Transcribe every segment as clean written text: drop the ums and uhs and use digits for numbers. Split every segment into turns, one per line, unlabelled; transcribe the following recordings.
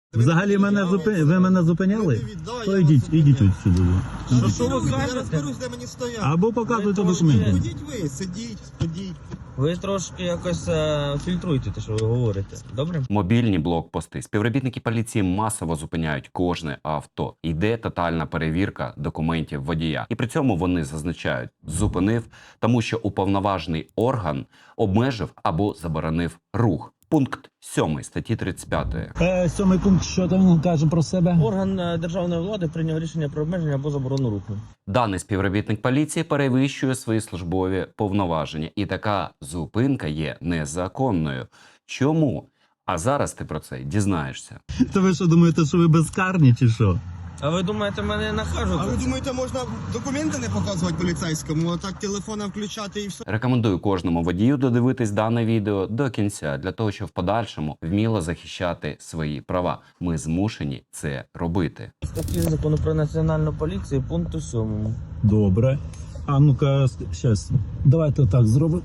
Взагалі ви мене зупиняли? То ідіть от сюди.
Що ви
Я
кажете?
розберусь, де мені стояти.
Або показуйте документи.
Ходіть ви, сидіть.
Ви трошки якось фільтруйте те, що ви говорите. Добре?
Мобільні блокпости. Співробітники поліції масово зупиняють кожне авто. Йде тотальна перевірка документів водія. І при цьому вони зазначають «зупинив», тому що уповноважений орган обмежив або заборонив рух. Пункт 7 статті 35.
Сьомий пункт, що там каже про себе?
Орган державної влади прийняв рішення про обмеження або заборону руху.
Даний співробітник поліції перевищує свої службові повноваження. І така зупинка є незаконною. Чому? А зараз ти про це дізнаєшся.
То ви що думаєте, що ви безкарні чи що?
А ви думаєте, мене накажуть?
А ви думаєте, можна документи не показувати поліцейському, а так телефона включати і все?
Рекомендую кожному водію додивитись дане відео до кінця, для того, щоб в подальшому вміло захищати свої права. Ми змушені це робити.
Статті закону про національну поліцію пункту 7.
Добре. А ну-ка, щас. Давайте так зробимо.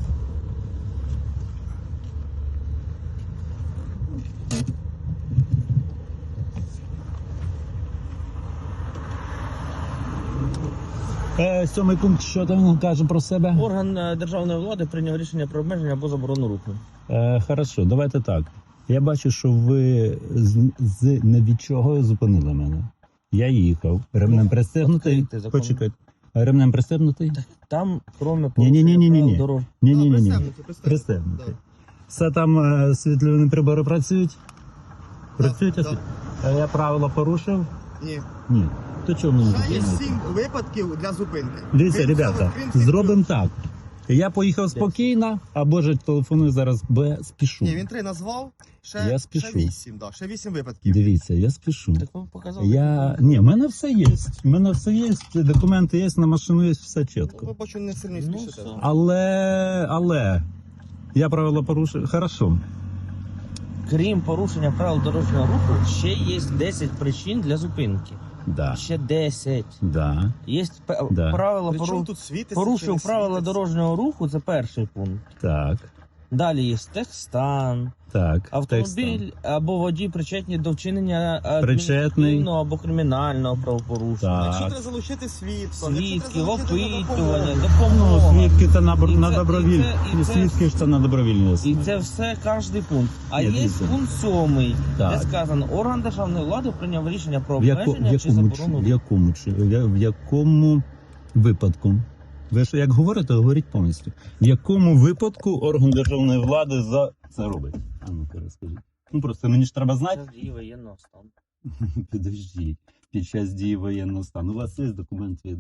Сьомий пункт, що там каже про себе?
Орган державної влади прийняв рішення про обмеження або заборону руху.
Хорошо, давайте так. Я бачу, що ви не від чого зупинили мене. Я їхав. Ремнем пристегнутий.
відкрийте закон.
Почекайте. Ремнем пристегнутий?
Там, кроме
Ні-ні-ні-ні-ні.
дорог.
Ні-ні-ні.
Пристебнути.
Пристегнутий. Все там світлові прибори працюють? Працюють?
Да.
Я правила порушив?
Ні.
Ні. То чому не
Ще є
зупинити?
7 випадків для зупинки.
Дивіться,
Крім
ребята,
цього, крім цих
зробимо
трьох.
так. Я поїхав спокійно, або ж телефоную зараз, бо я спішу.
Ні, він 3 назвав,
Я спішу.
ще 8, да, ще 8 випадків.
Дивіться, я спішу.
Так ви показали.
Ні, в мене все є. В мене все є, документи є, на машину є, все
Ви
чітко.
бачу, не сильно
Ну,
спішите.
все.
Але, я правила порушив. Хорошо.
Крім порушення правил дорожнього руху, ще є 10 причин для зупинки.
Да.
Ще 10.
Да.
Є
Да.
правила
Причому тут світиться, чи
порушив
не
правила
світиться?
дорожнього руху, це перший пункт.
Так.
Далі є техстан,
Так.
автомобіль або водій причетні до вчинення
Причетний.
адміністративного або кримінального правопорушення.
Так.
Якщо треба залучити свідка,
Свідки,
якщо треба залучити
опитування,
допомогу.
Ну,
допомога.
свідки це на
І
добровільні.
це-
Свідки ж це на добровільній
І
основі.
це все кожний пункт. А
Ні,
є
дивіться.
пункт 7,
Так.
де сказано, орган державної влади прийняв рішення про
В
обмеження чи заборону.
в якому випадку? Ви ж як говорите, говоріть повністю. В якому випадку орган державної влади за це робить? А ну-ка розкажіть. Ну просто мені ж треба знати.
Час дії воєнного стану.
Підождіть. Під час дії воєнного стану. У вас є документ від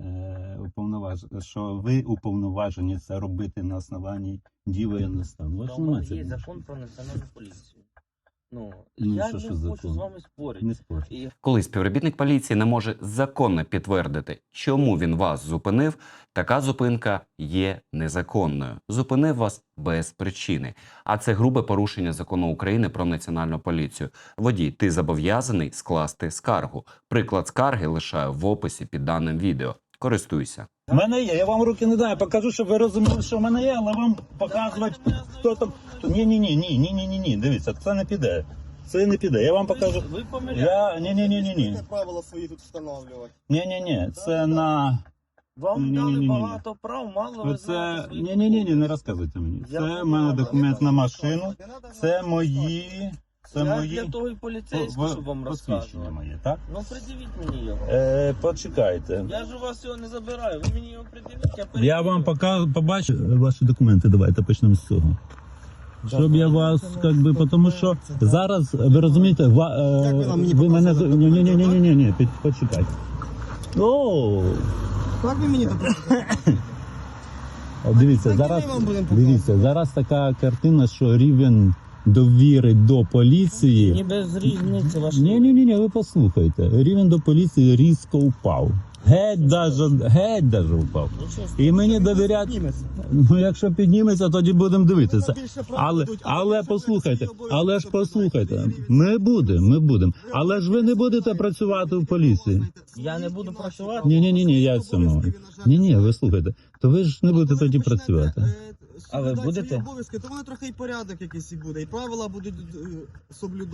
що ви уповноважені це робити на основанні дії воєнного стану. У вас
Тому
немає
є
цього.
закон про національну поліцію. Ну,
Ну,
я
що
не
ж
хочу
закон?
з вами спорити.
Не спорт.
І
Коли співробітник поліції не може законно підтвердити, чому він вас зупинив, така зупинка є незаконною. Зупинив вас без причини. А це грубе порушення закону України про національну поліцію. Водій, ти зобов'язаний скласти скаргу. Приклад скарги лишаю в описі під даним відео. Користуйся.
У мене є, я вам руки не даю, покажу, щоб ви розуміли, що в мене є, але вам показувати, хто там. Ні, дивіться, це не піде. Це не піде. Я вам покажу.
ви помиляєте.
Ні.
Правила свої тут встановлювати.
Ні. Це на.
Вам
Ні.
дали багато прав, мало ви
Це.
знаєте.
Ні, не розказуйте мені. Це в мене документ на машину. Це мої. Це
Я
мої.
для того і поліцейський, щоб вам
посвідчення
розказувати.
моє, так?
Ну, придивіть мені його.
Почекайте.
Я ж у вас його не забираю, ви мені його придивіть, я
Я вам побачу ваші документи. Давайте почнемо з цього. Щоб я вас, тому що зараз, ви розумієте,
Як ви нам мені
ви мене...
показали
Ні, почекайте. О,
Так ви мені допомогли?
дивіться,
Так,
зараз,
і ми вам будемо показувати.
зараз така картина, що рівень довіри до поліції...
Ні без різниці ваш.
Ні, ви послухайте. Рівень до поліції різко впав. Геть даже впав. І мені довірять...
Підніметься.
Ну, якщо підніметься, тоді будемо дивитися.
Ви більше прав
Але,
будуть,
але
якщо ви
послухайте,
свої
але ж
обов'язки
послухайте,
соблюдаєте,
ми будемо. Але ж ви не будете працювати в поліції.
Я не буду працювати?
Ні, я цьому. Ні, ви слухайте. То ви ж не будете тоді працювати.
А ви будете?
Обов'язки, то воно трохи і порядок якийсь і буде, і правила будуть соблюдати.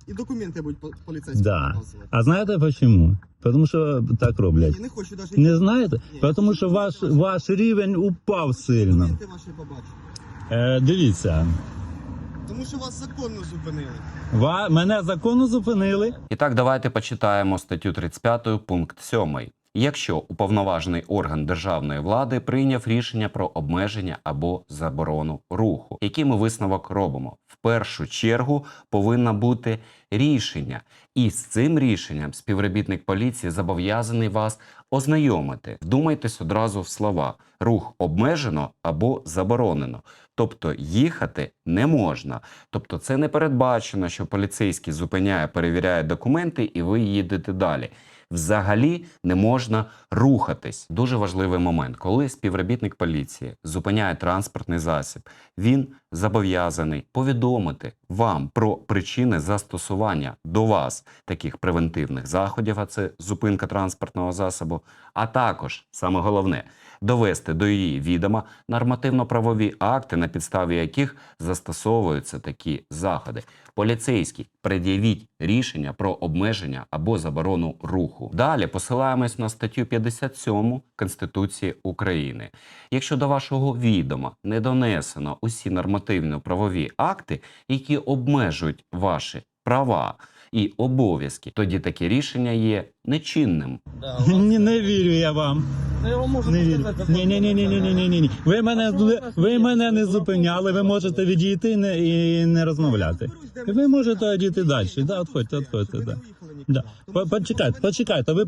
І документи будуть поліцейські
Да.
показувати.
А знаєте чому? Тому що так роблять.
Ні, не хочу навіть.
Не знаєте?
Ні.
Тому що ваш рівень упав сильно.
Документи ваші побачу.
Дивіться,
Тому що вас законно зупинили.
мене законно зупинили.
І так, давайте почитаємо статтю 35, пункт 7. Якщо уповноважений орган державної влади прийняв рішення про обмеження або заборону руху, який ми висновок робимо? В першу чергу повинно бути рішення. І з цим рішенням співробітник поліції зобов'язаний вас ознайомити. Вдумайтесь одразу в слова. Рух обмежено або заборонено. Тобто їхати не можна. Тобто це не передбачено, що поліцейський зупиняє, перевіряє документи і ви їдете далі. Взагалі не можна рухатись. Дуже важливий момент. Коли співробітник поліції зупиняє транспортний засіб, він зобов'язаний повідомити вам про причини застосування до вас таких превентивних заходів, а це зупинка транспортного засобу, а також, саме головне, довести до її відома нормативно-правові акти, на підставі яких застосовуються такі заходи. Поліцейський, пред'явіть рішення про обмеження або заборону руху. Далі посилаємось на статтю 57 Конституції України. Якщо до вашого відома не донесено усі нормативно-правові акти, які обмежують ваші права і обов'язки, тоді таке рішення є нечинним.
Да, у вас-
Ні, не вірю я вам.
Ну, я вам можу
Не вірю.
показати, закон
Ні. Ви мене,
А що у вас
ви
є?
мене не
Ви
зупиняли, ви можете відійти і не розмовляти. Ви можете одійти далі. Да, відходьте. Да. Да. Почекайте, ви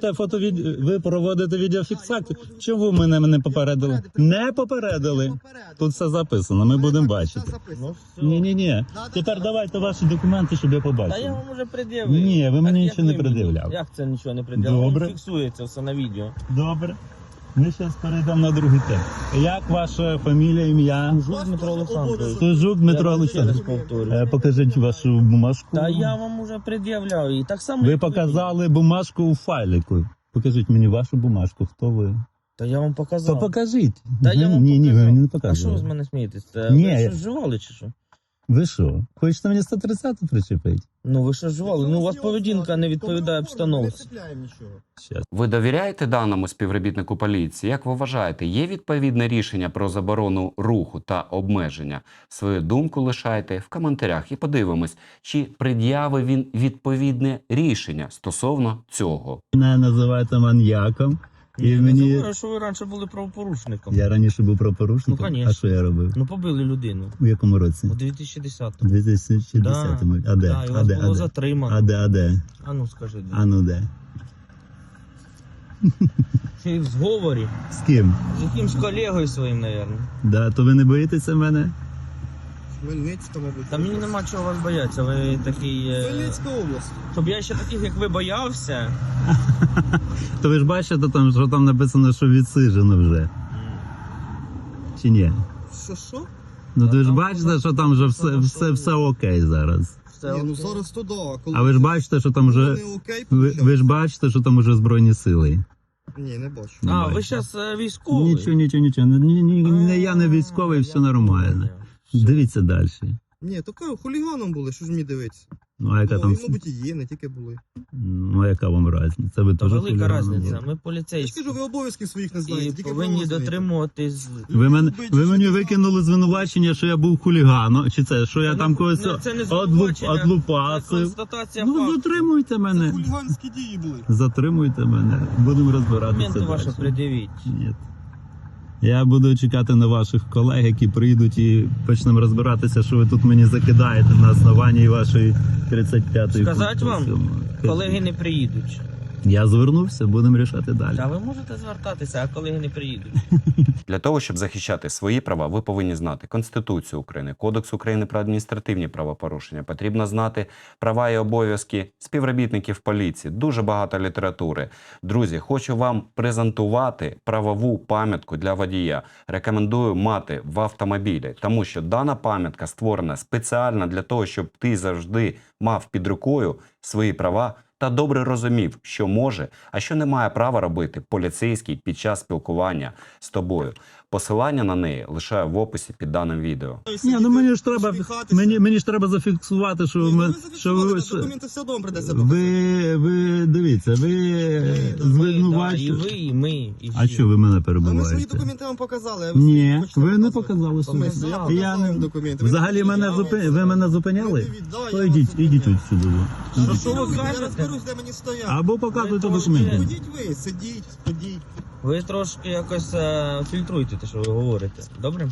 проводите відеофіксацію. Чому ви мене не попередили? Не попередили. Тут все записано, ми будемо бачити.
Ну, все.
Ні. Тепер давайте ваші документи, щоб я
Та я
побачив.
вам уже пред'явив.
Ні, ви мені
Так,
нічого не
як ви мені?
пред'являв.
Як це нічого не пред'явив?
Добре.
Воно фіксується все на відео.
Добре. Ми зараз перейдемо на другий тем. Як ваша фамілія, ім'я?
Жук Дмитро Олександрович.
Тужук Дмитро
Я вам ще раз
Олександрович.
повторюю.
Покажіть вашу бумажку.
Та я вам уже пред'являв і так само.
Ви
як
показали бумажку у файлику. Покажіть мені вашу бумажку. Хто ви?
Та я вам показав.
То покажіть.
Та я вам
Ні,
показав.
ви мені не
А що ви
показували.
з мене смієтесь?
Ні,
Ви
я-
що вживали чи що?
Ви що? Хочете мені 130 причепити?
Ну ви що вживали? Ну у вас поведінка не відповідає
Не
обстановці.
цепляємо нічого.
Щас.
Ви довіряєте даному співробітнику поліції? Як ви вважаєте, є відповідне рішення про заборону руху та обмеження? Свою думку лишайте в коментарях і подивимось, чи пред'явив він відповідне рішення стосовно цього.
Мене називаєте маньяком. І
Я
мені...
не говорю, що ви раніше були правопорушником.
Я раніше був правопорушником.
Ну, конечно.
А що я робив?
Ну побили людину.
У якому році?
У 2010-му.
У 2010-му. А де?
Да, і
А
вас
де?
було
А де?
затримано.
А де?
А ну скажи, де?
А ну де?
Чи в зговорі?
З ким?
З якимсь колегою своїм, мабуть.
Да, то ви не боїтеся мене?
Хмельницька, мабуть.
Та мені нема чого вас боятися, ви такий...
Хмельницька область.
Щоб я ще таких, як ви, боявся.
То ви ж бачите, там, що там написано, що відсиджено вже. Чи ні?
Що?
Ну ви ж
там
бачите, що там вже все окей зараз.
Все
Ні, ну
окей.
зараз то да. Коли
А ви ж бачите, що там вже.
не окей,
Ви ж бачите, що там вже Збройні сили.
Ні, не бачу.
Не
А,
бачите.
ви зараз військовий?
Нічого. Не я не військовий, все нормально. Дивіться далі.
Ні, таке хуліганом були, що ж мені дивитися?
Ну а яка
Ну,
там.
і, мабуть, і є, не тільки були.
Ну а яка вам різниця? Це ви
Та
теж
велика
хуліганом
різниця.
були.
Ми
Я ж
поліцейські.
кажу, ви обов'язків своїх не знаєте,
І
тільки
повинні
права знаєте.
дотримуватись.
Ви мені викинули звинувачення, що я був хуліганом, чи це, що я там когось
Це не звинувачення, це
одлупасив.
констатація
Ну,
факту.
затримуйте
Це
мене.
хуліганські дії були.
Затримуйте мене. Будемо розбиратися.
Документи ваші
далі.
пред'явіть.
Ні. Я буду чекати на ваших колег, які прийдуть і почнемо розбиратися, що ви тут мені закидаєте на основанні вашої 35-ї.
Сказать вам?
Конституції.
Колеги не приїдуть.
Я звернувся, будемо рішати далі.
Та ви можете звертатися, а колеги не приїдуть.
Для того, щоб захищати свої права, ви повинні знати Конституцію України, Кодекс України про адміністративні правопорушення. Потрібно знати права і обов'язки співробітників поліції. Дуже багато літератури. Друзі, хочу вам презентувати правову пам'ятку для водія. Рекомендую мати в автомобілі, тому що дана пам'ятка створена спеціально для того, щоб ти завжди мав під рукою свої права та добре розумів, що може, а що не має права робити поліцейський під час спілкування з тобою. Посилання на неї лишаю в описі під даним відео.
Ні, ну мені ж треба,
Усміхатися.
мені ж треба зафіксувати, що
Ні,
ми,
ви
що
зафіксували,
ви,
так документи все одно придеться
ви дивіться, ви
Да,
звинувачуєте.
і ви, і ми, і
А
всі.
що ви мене
А ми свої
перебуваєте?
документи вам показали. а
Ні,
свої хочете
ви не
показувати?
показали
Ми-
свої.
Я
Я
показав
не-
вам документи.
Взагалі
Ви
мене ви мене зупиняли? То йдіть отсюди.
Що
Що
ви
ви
кажете?
Я розберусь, де мені стояти.
Або показуйте
Ви
документи.
Ходіть ви, сидіть, ходіть.
Ви трошки якось фільтруйте те, що ви говорите. Добре?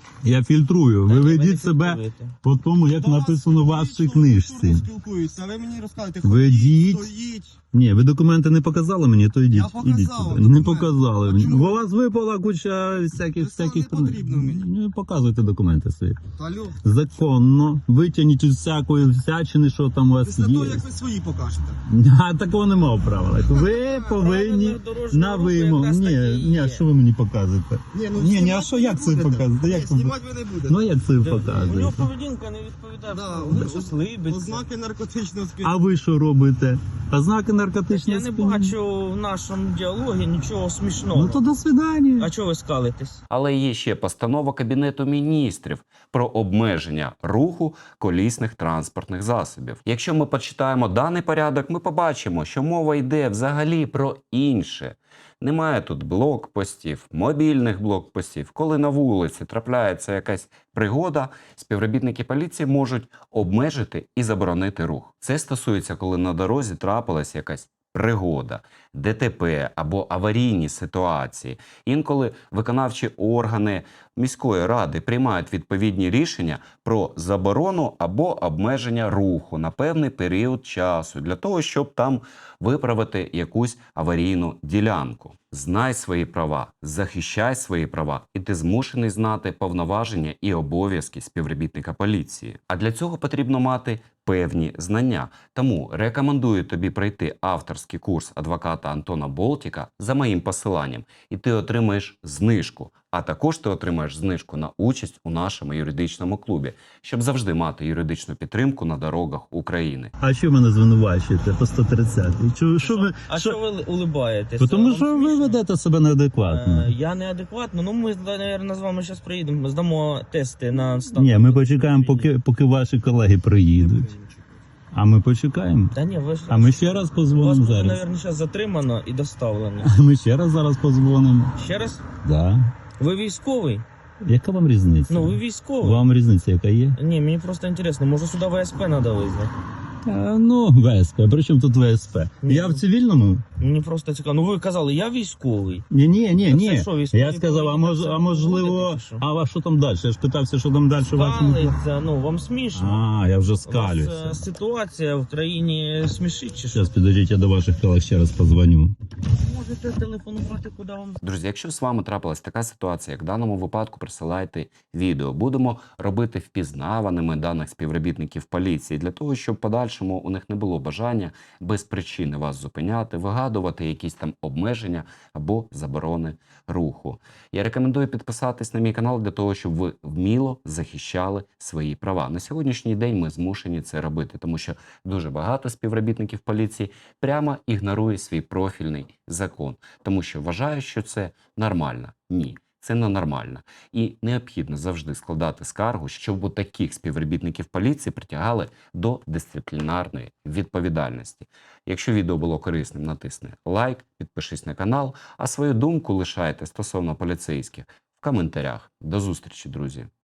Я фільтрую. Ви
Та ні, не
ведіть себе
фільтруєте.
по тому, як написано в вашій книжці.
Спілкуються, а ви мені розказуєте,
Ведіть.
стоїть.
Ні, ви документи не показали мені, то йдіть.
Я показав
Ідіть
вам
сюди. Не
документи.
показали.
А чому?
Бо у вас випала куча всяких.
Це не потрібно мені.
Ну, показуйте документи свої.
Алло.
Законно. Витягніть із всякої всячини, що там у вас
Після
є.
того, як ви свої покажете.
А такого нема в правилах. Ви повинні
Правила дорожнього
на
руху
вимогу.
якраз такі
Ні,
є.
а що ви мені показуєте?
Ні,
Ні, а
знімати
що,
ви
як
не
це
будете.
показувати?
Ні,
Як це?
знімати ви не будете.
Ну як це ви
У нього
показуєте?
поведінка не відповідає.
Да,
Він щось либиться.
Ознаки наркотичного сп'яніння.
А ви що робите? Ознаки
Так
наркотичного
я не
сп'яніння?
бачу в нашому діалогі нічого смішного.
Ну то до свидання.
А чого ви скалитесь?
Але є ще постанова Кабінету міністрів про обмеження руху колісних транспортних засобів. Якщо ми почитаємо даний порядок, ми побачимо, що мова йде взагалі про інше. Немає тут блокпостів, мобільних блокпостів. Коли на вулиці трапляється якась пригода, співробітники поліції можуть обмежити і заборонити рух. Це стосується, коли на дорозі трапилась якась пригода, ДТП або аварійні ситуації. Інколи виконавчі органи міської ради приймають відповідні рішення про заборону або обмеження руху на певний період часу для того, щоб там виправити якусь аварійну ділянку. Знай свої права, захищай свої права, і ти змушений знати повноваження і обов'язки співробітника поліції. А для цього потрібно мати певні знання. Тому рекомендую тобі пройти авторський курс адвоката Антона Болтіка за моїм посиланням, і ти отримаєш знижку. А також ти отримаєш знижку на участь у нашому юридичному клубі, щоб завжди мати юридичну підтримку на дорогах України.
А що мене звинувачуєте по 130? Що ви?
А що ви улибаєтесь?
Тому
Вам
що ви
смішно?
ведете себе неадекватно.
Я неадекватно. Ну ми, наверное, з вами зараз приїдемо, здамо тести на стан.
Ні, ми почекаємо, поки ваші колеги приїдуть. А ми почекаємо.
Та ні, ви ж...
А ми ще раз
Вас
позвонимо
буде,
зараз.
наверное, зараз затримано і доставлено.
А ми ще раз зараз позвонимо.
Ще раз?
Да.
Ви військовий?
Яка вам різниця?
Ну, ви військовий.
Вам різниця яка є?
Ні, мені просто інтересно, може сюди ВСП треба визнати?
Ну, ВСП. При чому тут ВСП?
Ні.
Я в цивільному?
Мені просто цікаво. Ну ви казали, я військовий.
Ні.
Це що, військові
Я сказав, а можливо,
поводити, чи що?
а що там далі? Я ж питався, що там далі в вашому...
Скалиться, ну вам смішно.
А, я вже
У вас,
скалюся.
ситуація в країні смішить чи що?
Зараз підождіть, я до ваших колег ще раз позвоню.
Можете телефонувати, куди вам
Друзі, якщо з вами трапилась така ситуація, як в даному випадку, присилайте відео. Будемо робити впізнаваними даних співробітників поліції для того, щоб в подальшому у них не було бажання без причини вас зупиняти, вигадувати якісь там обмеження або заборони руху. Я рекомендую підписатись на мій канал для того, щоб ви вміло захищали свої права. На сьогоднішній день ми змушені це робити, тому що дуже багато співробітників поліції прямо ігнорує свій профільний закон, тому що вважають, що це нормально. Ні. Це ненормально. І необхідно завжди складати скаргу, щоб у таких співробітників поліції притягали до дисциплінарної відповідальності. Якщо відео було корисним, натисни лайк, підпишись на канал, а свою думку лишайте стосовно поліцейських в коментарях. До зустрічі, друзі!